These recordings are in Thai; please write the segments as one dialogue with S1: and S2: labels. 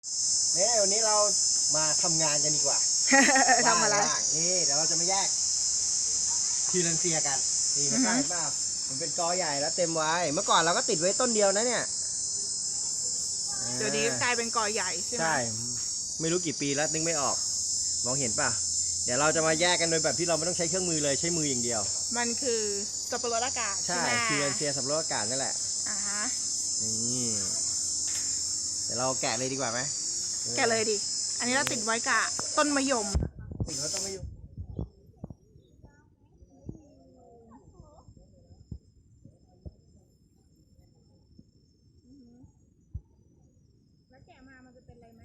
S1: เนี่ยวันนี้เรามาทำงานกันดีกว่า
S2: ทำอะไร
S1: ว่างๆนี่เดี๋ยวเราจะมาแยกทีลันเซียกันนี่นะครัเห็นเปล่ามันเป็นกอใหญ่แล้วเต็มไว้เมื่อก่อนเราก็ติดไว้ต้นเดียวนะเนี่ย
S2: เดี๋ยวนี้กลายเป็นกอใหญ่ใช่ไหม
S1: ใช่ไม่รู้กี่ปีแล้วนึกไม่ออกมองเห็นป่ะเดี๋ยวเราจะมาแยกกันโดยแบบที่เราไม่ต้องใช้เครื่องมือเลยใช้มืออย่างเดียว
S2: มันคือสับปะรดอากาศใช่
S1: ใช่
S2: ไหม
S1: ทีลันเซียสับปะรดอากาศนั่นแหละ
S2: อ่าฮะ
S1: นี่เดี๋ยวเราแกะเลยดีกว่าไหม
S2: แกะเลยดิ อันนี้เราติดไว้กับต้นมะยม
S1: ติดแล้วต้องไม่ยุ่ง
S2: แล้วแกะมามันจะเป็นอะไรไหม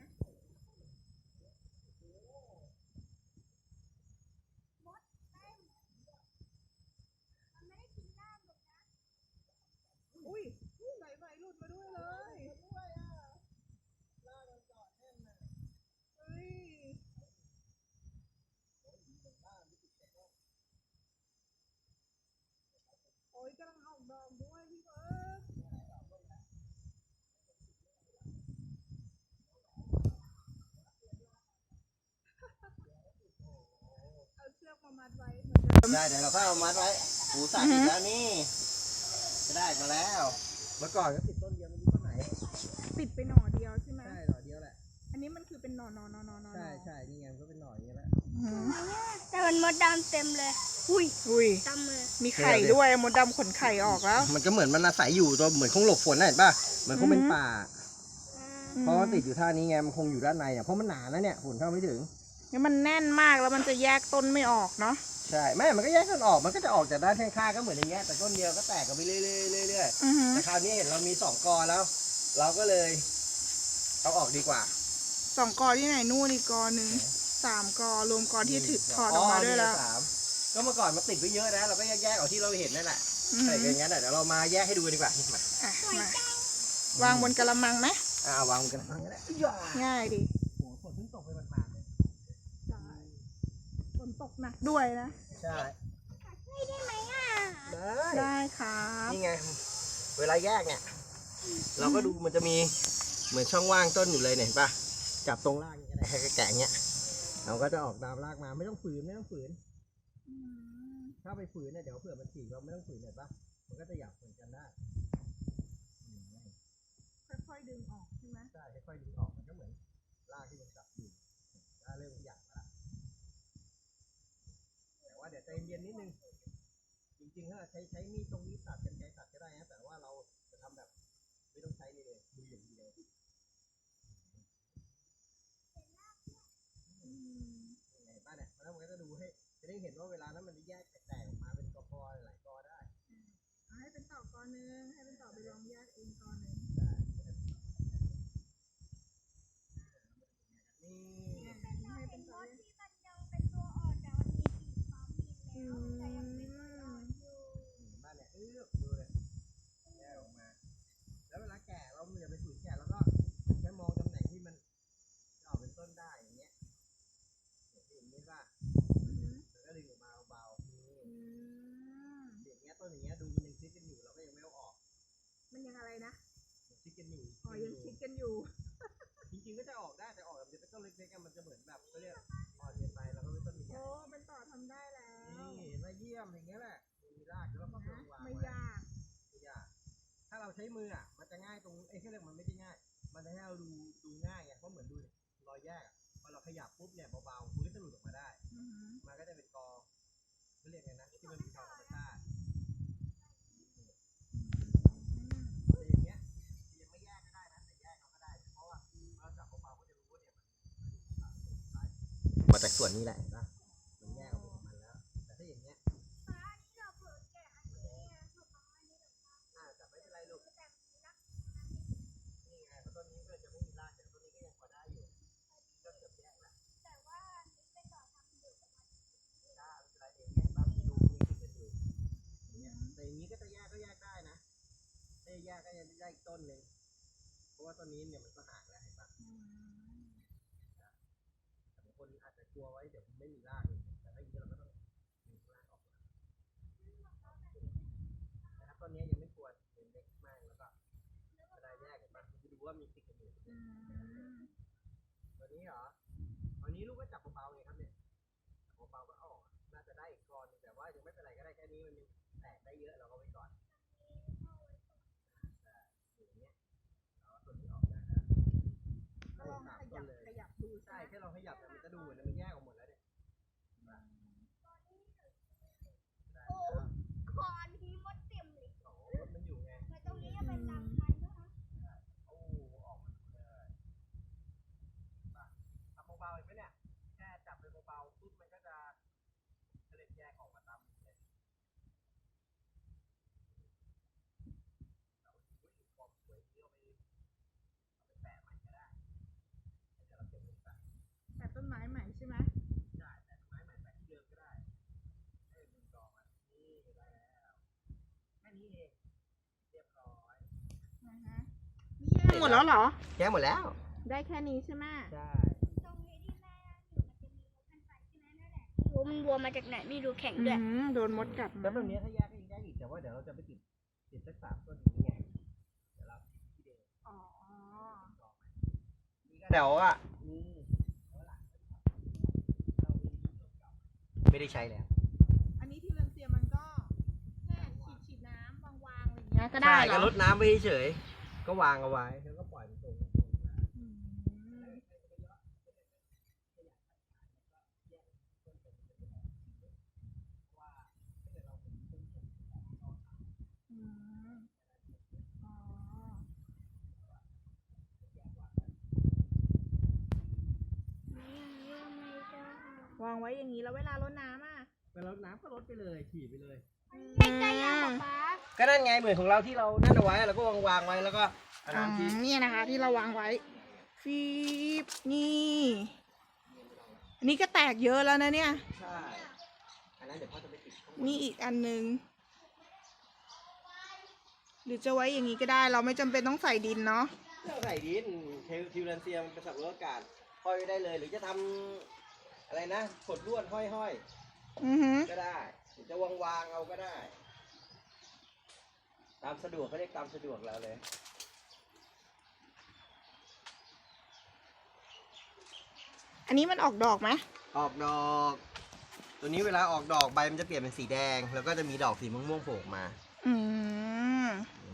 S2: อุ้ยไหลหลุดมาด้วยเลยเฮ้ยโอ้ยกำลังออกดอกด้วยพี่เบิร์ดเอาเชือกมามัดไว้เหมือนเดิม
S1: ได้เดี๋ยวเราเข้าเอามัดไว้หูสาติดแล้วนี่จะได้มาแล้ว เมื่อก่อนก็ติดต้นเดียวไม่รู้ต้นไหน
S2: ติดไปหน่อเดียวใช่ไหม
S1: ใช่หน่อเดียวแหละ
S2: อันนี้มันคือเป็นหน่อ
S1: ใช่ใช่นี่ไงมันก็เป็นหน่ออย่างนี้แหละ
S3: แต่มันมดดำเต็มเลย
S2: อุ้ย
S3: ดำเลย
S2: มีไข่ด้วยมดดำขนไข่ออกแล้ว
S1: มันก็เหมือนมันอาศัยอยู่ตัวเหมือนคงหลบฝนน่ะเห็นป่ะเหมือนคงเป็นป่า เพราะมันติดอยู่ท่านี้ไงมันคงอยู่ด้านในอ่ะเพราะมันหนานะเนี่ยฝนเข้าไม่ถึง
S2: นี่มันแน่นมากแล้วมันจะแยกต้นไม่ออกเนาะ
S1: ใช่แม่มันก็แยกต้นออกมันก็จะออกจากด้านข้างๆก็เหมือนอย่างเงี้ยแต่ต้นเดียวก็แตกกันไปเรื่อยๆแต่คราวนี้เห็นเรามี2 กอแล้ว เราก็เลยเอาออกดีกว่า
S2: 2 กอที่ไหนนู่นอีกกอหนึ่ง3 กอรวมกอที่ถือถอดออกมาด้วยแล้ว
S1: นี่3ก็เมื่อก่อนมันติดไว้เยอะนะเราก็แยกๆเอาที่เราเห็นนั่นแหละใส่กันอย่างนั้นเดี๋ยวเรามาแยกให้ดูกันดีกว่ามา
S2: อ่ะมาวางบนกระมังไหม
S1: วางกันทั้งนั้นแหละ
S2: ง่ายดิ
S1: โอ้โหฝนเพิ่งตกไปหมาดๆเลย
S2: ฝนตกหนักด้วยนะ
S1: ใช่
S3: ไม่ได้ไหมอ่ะ
S2: ได้ครับ
S1: นี่ไงเวลาแยกเนี่ยเราก็ดูมันจะมีเหมือนช่องว่างต้นอยู่เลยเนี่ยเห็นปะจับตรงรากอย่างเงี้ยให้แกะอย่างเงี้ยเราก็จะออกตามรากมาไม่ต้องฝืนถ้าไปฝืนเนี่ยเดี๋ยวเผื่อมันฉีกเราไม่ต้องฝืนเห็นปะมันก็จะหยับเหมือนกันได้
S2: ค่อยๆดึงออกใช่ไหม
S1: ใช่ค่อยๆดึงออกมันก็เหมือนรากที่มันจับอยู่ถ้าเริ่มหยับแล้วแต่ว่าเดี๋ยวใจเย็นนิดนึงจริงๆถ้าใช้มีดตรงนี้ตัดกันไกรตัดก็ได้นะแต่ว่าเราจะทำแบบไม่ต้องใช้เลยมืออย่างเดียวเห็นป่ะเนี่ยแล้วมันก็จะดูให้จะได้เห็นว่าเวลานั้นมันจะแยกแตกออกมาเป็นกอหลายกอได้
S2: ให้เป็นต่อกอนึงให้เป็นต่อไปลองแยกเองกอนึง
S1: นี่
S2: ให้เป็นต่อ
S3: ที่มันยังเป็นตัวอ่อนแต่มันมีสีฟ้ามีแล้วแต่ยังเป็นตัวอ่อนอยู่
S1: บ้านเนี่ยดูเลยแยกออกมาแล้วเวลาแกะเราอย่าไปฝืนแกะแล้วก็แค่มองตำแหน่งที่มันจะออกเป็นต้นได้อย่างเงี้ยอย่างนี้ป่ะแล้วก็ดึงออกมาเบาๆนี่อย่างเงี้ยต้นอย่างเงี้ยดูมันยังชิดกันอยู่เราก็ยังไม่เอาออก
S2: มันยังอะไรนะ
S1: ชิดกันอยู่
S2: อ๋อยังชิดกันอยู่
S1: จริงๆก็จะออกได้แต่ออกแบบจะเป็นต้นเล็กๆมันจะเหมือนแบบเขาเรียกอ่อนเกินไปแล้วก็เป็นต้นใหญ่
S2: โอ้เป็นต่อทำได้แล้ว
S1: นี่มาเยี่ยมอย่างเงี้ยแหละมีรากแล้วก็วาง
S2: ไม่
S1: ไว้
S2: ยาก
S1: ไม่ยากถ้าเราใช้มืออ่ะมันจะง่ายตรงเขาเรียกมันไม่ได้ง่าย มันจะให้เราดูง่ายไงเพราะเหมือนดูรอยแยกพอเราขยับปุ๊บเนี่ยเบาๆมือก็จะหลุดออกมาได้มันก็จะเป็นกอเขาเรียกไงนะที่มันเป็นกอธรรมชาติแต่อย่างเงี้ยยังไม่แยกก็ได้นะแต่แยกเราก็ได้เพราะว่าเราจับเบาๆก็จะรู้ว่าเนี่ยมันมาจากส่วนนี้แหละเห็นปะมันแยกออกมาแล้วแต่ถ้าอย่างเงี้ย
S3: ฟ้านี่เราเปิดแกะอันนี้ถูกต้องอันนี้ถูกต้อง
S1: แต่ไม่เป็นไรลูก
S3: แต่มีรัก
S1: นี่ไงเพราะต้นนี้ก็จะไม่มีรากแต่ต้นนี้ก็ยังพอได้อยู่ก็เกือบแยกแล้ว
S3: แต่ว่านี่เป็นต่อทำอยู่ประมาณ
S1: ถ้าอะไรเองเนี่ยบางดูนี่คือเป็นอยู่เนี่ยแต่อย่างนี้ก็จะแยกก็แยกได้นะถ้าแยกก็ยังได้อีกต้นหนึ่งเพราะว่าต้นนี้เนี่ยมันก็ห่างแล้วเห็นปะแต่บางคนอาจจะกลัวไว้เดี๋ยวไม่มีรากแต่ถ้าอย่างนี้เราก็ต้องดึงรากออกมาแต่ถ้าต้นนี้ยังไม่ควรเป็นเล็กมากแล้วก็จะได้แยกกันมาจะดูว่ามีติดกันอยู่อาจจะไม่เป็นไรก็ได้แค่นี้มันยังแตกได้เยอะเราก็ไว้ก่อนอย่างเงี้ยเราเอาต้นนี้ออกนะก็ลองขยับดูใช่แค่เราขยับแต่มันจะดูเหมือนมันแยกออกหมดแล้วเนี่ย
S3: โอ้คอนี้มดเต็มเลย
S1: โอ้มันอยู่ไง
S3: แต่ตรงนี้จะเป็นตามพันธุ์นะคะ
S1: โอ้ออกมาเลยทำเบาๆเห็นไหมเนี่ยแค่จับไปเบาๆปุ๊บมันก็จะเล็ดแยกออกมาตามเลยความสวยที่เอาไปแปะใหม่ก็ได้เดี๋ยวเราเก็บไว้ใส่
S2: แต่ต้นไม้ใหม่ใช่ไหม
S1: ได้แต่ไม้ใหม่แปะที่เดิมก็ได้ให้ดึงต่อมานี่ได้แล้วแค่นี้เองเรียบร้อย
S2: นี่แยกหมดแล้วเหรอ
S1: แยกหมดแล้ว
S2: ได้แค่นี้ใช่ไหม
S1: ใช่
S3: ตรงนี้ที่แม่อยู่มันจะมีพันธุ์ไฟใช่ไหมนั่นแหละรู้มันวัวมาจากไหนไม่รู้แข็งด้วย
S2: โดนมดกัด
S1: แล้วแบบนี้ถ้าแยกก็ยังแยกอีกแต่ว่าเดี๋ยวเราจะไปติดสัก3 ต้นนี้ไงเดี๋ยวเราติดที่เดิม
S2: อ๋อ
S1: เดี๋ยวอ่ะไม่ได้ใช้แล้ว
S2: อันนี้ที่เรนเซียมันก็แค่ฉีดน้ำวางๆอะไรอย่างเงี้ยก็ได้
S1: ใช่
S2: เหร
S1: ก็
S2: อ
S1: ลดน้ำไปเฉยๆก็วางเอาไว้แล้วก็ปล่อยมันตรง
S2: อืมอืมอ๋อวางไว้อย่างนี้แล้วเวลารดน้ำอ่ะ
S1: ไปลดน้ำก็ลดไปเลยฉีดไปเลย
S3: ไม่ใช่ยาป๊า
S1: ก็นั่นไงเหมือนของเราที่เรานั่นเอาไว้เราก็วางไว้แล้วก็เอา
S2: อ๋อ
S1: น้ำที่
S2: เนี่ยนะคะ ที่เราวางไว้ฟีบนี่อันนี้ก็แตกเยอะแล้วนะเนี่ย
S1: ใช่อันนั้นเดี๋ยวพ่อจะไปติดข้างบน
S2: นี่อีกอันนึง หรือจะไว้อย่างนี้ก็ได้ เราไม่จำเป็นต้องใส่ดินเนาะ
S1: เครื่องใส่ดินทิวแลนเซียมันเป็นสับปะรดอากาศห้อยไว้ได้เลย หรือจะทำอะไรนะขดลวดห้อย
S2: อือหือ
S1: ก็ได้หรือจะวางเอาก็ได้ ตามสะดวกก็เรียกตามสะดวกเราเลย
S2: อันนี้มันออกดอกไหม
S1: ออกดอก ตัวนี้เวลาออกดอกใบมันจะเปลี่ยนเป็นสีแดง แล้วก็จะมีดอกสีม่วงๆโผล่ออกมา
S2: อืม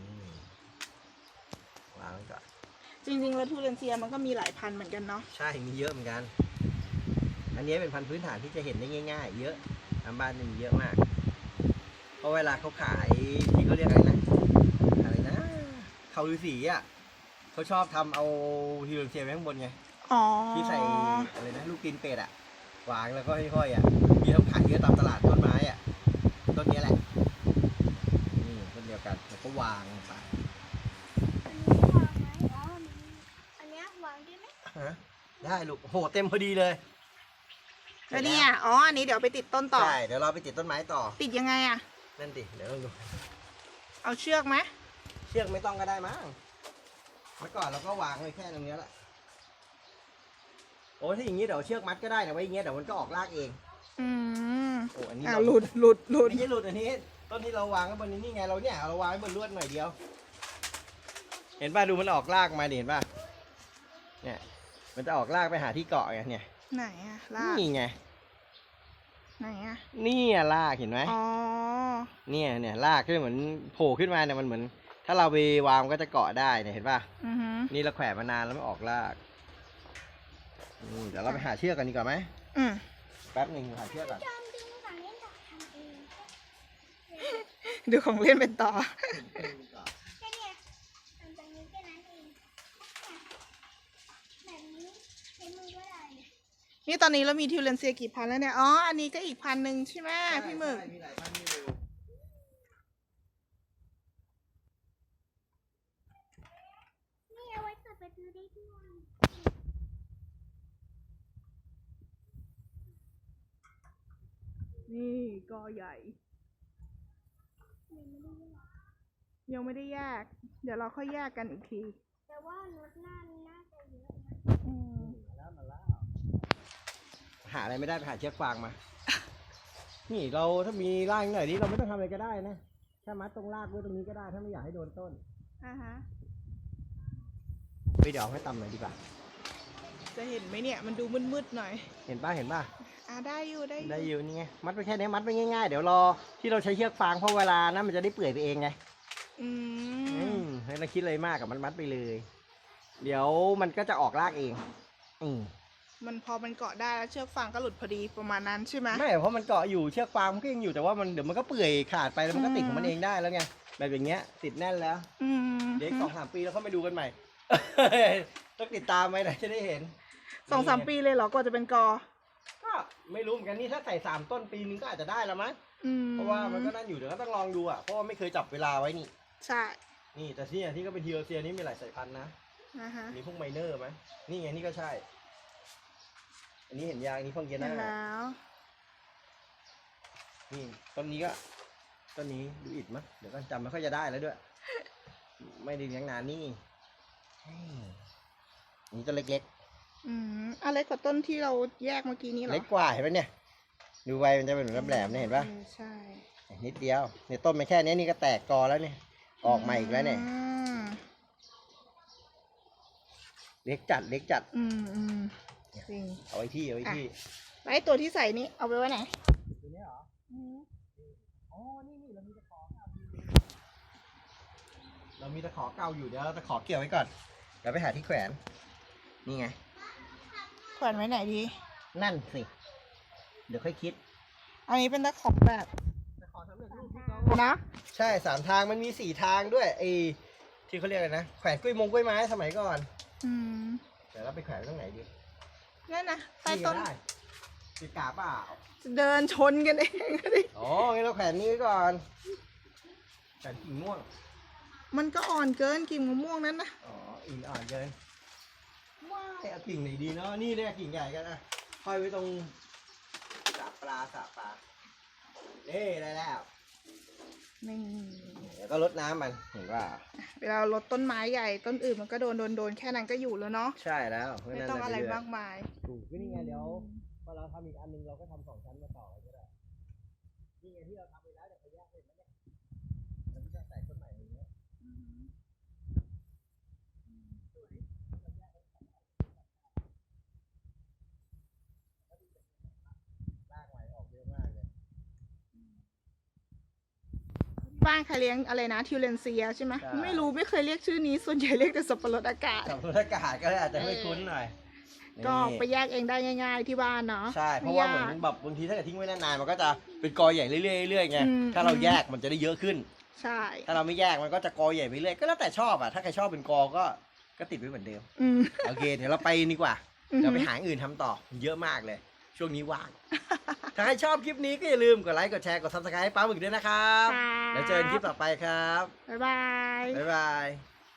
S1: วางไว้ก่อน
S2: จริงๆแล้วทูเรนเซียมันก็มีหลายพันธุ์เหมือนกันเนาะ
S1: ใช่ มีเยอะเหมือนกัน อันนี้เป็นพันธุ์พื้นฐานที่จะเห็นได้ง่ายๆ เยอะตามบ้านนี่มีเยอะมาก เพราะเวลาเขาขายที่เขาเรียกอะไรนะเขาฤาษีอ่ะเขาชอบทำเอาฮิโรเซียไว้ข้างบนไง
S2: อ๋อ
S1: ที่ใส่อะไรนะลูกตีนเป็ดอ่ะวางแล้วก็ห้อยๆอ่ะมีเขาขายเยอะตามตลาดต้นไม้อ่ะต้นนี้แหละนี่ต้นเดียวกันแล้วก็วางไป
S3: อันนี้วางได้ไหม
S1: ฮะได้ลูกโหเต็มพอดีเลย
S2: แล้วเนี่ยอ๋อ อันนี้เดี๋ยวไปติดต้นต่อ
S1: ใช่เดี๋ยวเราไปติดต้นไม้ต่อ
S2: ติดยังไงอะ
S1: นั่นดิเดี๋ยวเราดู
S2: เอาเชือกไหม
S1: เชือกไม่ต้องก็ได้มั้งเมื่อก่อนเราก็วางไว้แค่ตรงนี้แหละโอ้ถ้าอย่างนี้เดี๋ยวเชือกมัดก็ได้นะไว้อย่างเงี้ยเดี๋ยวมันก็ออกรากเอง
S2: อืม
S1: โอ้อันนี้
S2: อ่า
S1: เรา
S2: หลุดหลุดหลุด
S1: ไม่ใช่หลุดอันนี้ต้นที่เราวางไว้บนนี้นี่ไงเราเนี่ยเราวางไว้บนลวดหน่อยเดียว เห็นป่ะดูมันออกรากมาดิเห็นป่ะเนี่ยมันจะออกรากไปหาที่เกาะไงเนี่ย
S2: ไหนอะลาก
S1: นี่ไง
S2: ไหนอะ
S1: นี่รากเห็นไหม
S2: อ๋อ
S1: เนี่ยรากขึ้นเหมือนโผล่ขึ้นมาเนี่ยมันเหมือน ถ้าเราไปวางมันก็จะเกาะได้เนี่ยเห็นป่ะ
S2: อือหือ
S1: นี่เราแขวนมานานแล้วไม่ออกรากเดี๋ยวเราไปหาเชือกกันดีกว่าไหม
S2: อืม
S1: แป๊บหนึ่งหาเชือกก่อน
S3: จอมดึงหลังเล่นต่อทำเอง
S2: ดูของเล่นเป็นต่อ
S3: แค่เนี้ยทำตรงนี้แค่นั้นเองแบบนี้ใช้มือก็ได้
S2: นี่ตอนนี้เรามีทิวเรนเซียกี่พันแล้วเนี่ย อ๋อ อันนี้ก็อีกพันหนึ่งใช่ไหมพี่หมึก
S1: ใช่มีหลายพันอยู่
S3: นี่เอาไว้เปิดประตูได้ด้วย
S2: นี่กอใหญ่ ยังไม่ได้แยก เดี๋ยวเราค่อยแยกกันอีกที
S3: แต่ว่ารถน่าจะเยอะนะ
S2: อืม
S1: มาแล้วหาอะไรไม่ได้ไปหาเชือกฟางมา นี่เราถ้ามีรากหน่อยนี้เราไม่ต้องทำอะไรก็ได้นะแค่มัดตรงรากไว้ตรงนี้ก็ได้ถ้าไม่อยากให้โดนต้น
S2: อ่าฮะ
S1: ไปเดี๋ยวเอาให้ต่ำหน่อยดีกว่า
S2: จะเห็นไหมเนี่ย มันดูมืดๆหน่อย
S1: เห็นป่ะ
S2: ได้อยู่ได้อยู่
S1: ได้อยู่นี่ไงมัดไปแค่นี้มัดไปง่ายๆเดี๋ยวรอที่เราใช้เชือกฟางเพราะเวลานะมันจะได้เปื่อยไปเองไง
S2: อืม
S1: ไม่ต้องคิดอะไรมากกับมันมัดไปเลย เดี๋ยวมันก็จะออกรากเอง
S2: มันพอมันเกาะได้แล้วเชือกฟางก็หลุดพอดีประมาณนั้นใช่ไหม
S1: ไม่เพราะมันเกาะอยู่เชือกฟางมันก็ยังอยู่แต่ว่ามันเดี๋ยวมันก็เปื่อยขาดไปแล้วมันก็ติดของมันเองได้แล้วไงแบบอย่างเงี้ยติดแน่นแล้ว
S2: อืม
S1: เดี๋ยวอีก2-3 ปีแล้วเขามาดูกันใหม่ ต้องติดตามไหมนะจะได้เห็น
S2: 2-3 ปีเลยเหรอกว่าจะเป็นกอ
S1: ก็ไม่รู้เหมือนกันนี่ถ้าใส่3 ต้นปีนึงก็อาจจะได้แล้วมั้ง
S2: อืม
S1: เพราะว่ามันก็นั่นอยู่เดี๋ยวก็ต้องลองดูอ่ะเพราะว่าไม่เคยจับเวลาไว้นี่
S2: ใช่
S1: นี่แต่ที่ที่ก็เป็นทีโอเซียนี่มีหลายสายพันธุ์นะ
S2: นะฮะ
S1: มีพวกไมเนอร์ไหมนี่ไงนี่ก็ใช่ อันนี้เห็นยางอันนี้พวกเย
S2: เห็น
S1: น่า
S2: แล้ว
S1: นี่ต้นนี้ก็ต้นนี้ดูอิดมั้ยเดี๋ยวก็จำไม่ค่อยจะได้แล้วด้วย ไม่ได้เลี้ยงนานนี่นี่ต้นเล็ก
S2: อืมอะไรกว่าต้นที่เราแยกเมื่อกี้นี้เหรอ
S1: เล็กกว่าเห็นไหมเนี่ย ดูใบมันจะเป็นแหลมๆเนี่ยเห็นปะ
S2: ใช่
S1: นิดเดียวเนี่ยต้นมันแค่นี้นี่ก็แตกกอแล้วเนี่ยออกมาอีกแล้วเนี่ย
S2: อืม
S1: เล็กจัดเล็กจัด
S2: อืมอืมจริง
S1: เอาไว้ที่เอาไว้ที่
S2: แล้วไอ้ตัวที่ใส่นี้เอาไปไว้ไหน
S1: ตัวนี้เหรอ
S2: อืม
S1: อ๋อนี่เรามีตะขอเก่าอยู่เรามีตะขอเก่าอยู่เดี๋ยวเราตะขอเกี่ยวไว้ก่อนเดี๋ยวไปหาที่แขวนนี่ไง
S2: แขวนไว้ไหนดี
S1: นั่นสิเดี๋ยวค่อยคิด
S2: อันนี้เป็นตะขอแบบ
S1: ตะขอสำเร็จรูปที่เขา
S2: นะ
S1: ใช่3 ทางมันมี4 ทางด้วยไอ้ที่เขาเรียกอะไรนะแขวนกล้วยไม้สมัยก่อน
S2: อืม
S1: เดี๋ยวเราไปแขวนไว้ตรงไหนดี
S2: นั่นนะใต้
S1: นี่
S2: ต้
S1: ก็
S2: น
S1: ได้ติดกาเปล่า
S2: เดินชนกันเองก็ดิ
S1: อ๋องั้นเราแขวนนี้ไว้ก่อนแขวนกิ่งม่วง
S2: มันก็อ่อนเกินกิ่งมะม่วงนั้นนะ
S1: อ๋ออิ่มอ่อนเกินว้ายเอากิ่งไหนดีเนาะนี่เนี่ยกิ่งใหญ่กันนะห้อยไว้ตรงสระปลานี่ได้แล้ว
S2: นี่
S1: เดี๋ยวก็รดน้ำมันเห็นว่า
S2: เวลาเราลดต้นไม้ใหญ่ต้นอื่นมันก็โดนแค่นั้นก็อยู่แล้วเนาะ
S1: ใช่แล้ว
S2: ไม่ต้องอะไรมากมาย
S1: ถูกก็นี่ไงเดี๋ยวพอเราทำอีกอันนึงเราก็ทำ2 ชั้นมาต่อก็ได้นี่ไงที่เราทำไปแล้วเดี๋ยวเขาแยกเป็นแล้วเนี่ยแล้วมันจะใส่ต้นใหม่อย่างเงี้ยรากใหม่ออกเยอะมากเลย
S2: บ้านใครเลี้ยงอะไรนะทิวเลนเซียใช่ไหมไม่รู้ไม่เคยเรียกชื่อนี้ส่วนใหญ่เรียกแต่สับปะรดอากาศ
S1: สับปะรดอากาศก็อาจจะไม่คุ้นหน่อย
S2: ก็ไป
S1: นี่
S2: แยกเองได้ง่าย ๆที่บ้านเนาะ
S1: ใช่เพราะว่าเหมือนแบบบางทีถ้าเกิดทิ้งไว้นานๆมันก็จะเป็นกอใหญ่เรื่อยๆเรื่อยๆไง
S2: อืม
S1: ถ้าเราแยกมันจะได้เยอะขึ้น
S2: ใช่
S1: ถ้าเราไม่แยกมันก็จะกอใหญ่ไปเรื่อยก็แล้วแต่ชอบอ่ะถ้าใครชอบเป็นกอก็ติดไว้เหมือนเดิม
S2: อืม
S1: โอเคเดี๋ยวเราไปดีกว่า
S2: อือฮึ
S1: เดี๋ยวไปหาอย่างอื่นทำต่อเยอะมากเลย ช่วงนี้ว่าง ถ้าใครชอบคลิปนี้ก็อย่าลืมกดไลค์กดแชร์กด subscribe ให้ป้าหมึกด้วยนะครับ
S2: ค่ะ
S1: แล้วเจอกันคลิปต่อไปครับ
S2: บ๊ายบาย
S1: บ๊ายบาย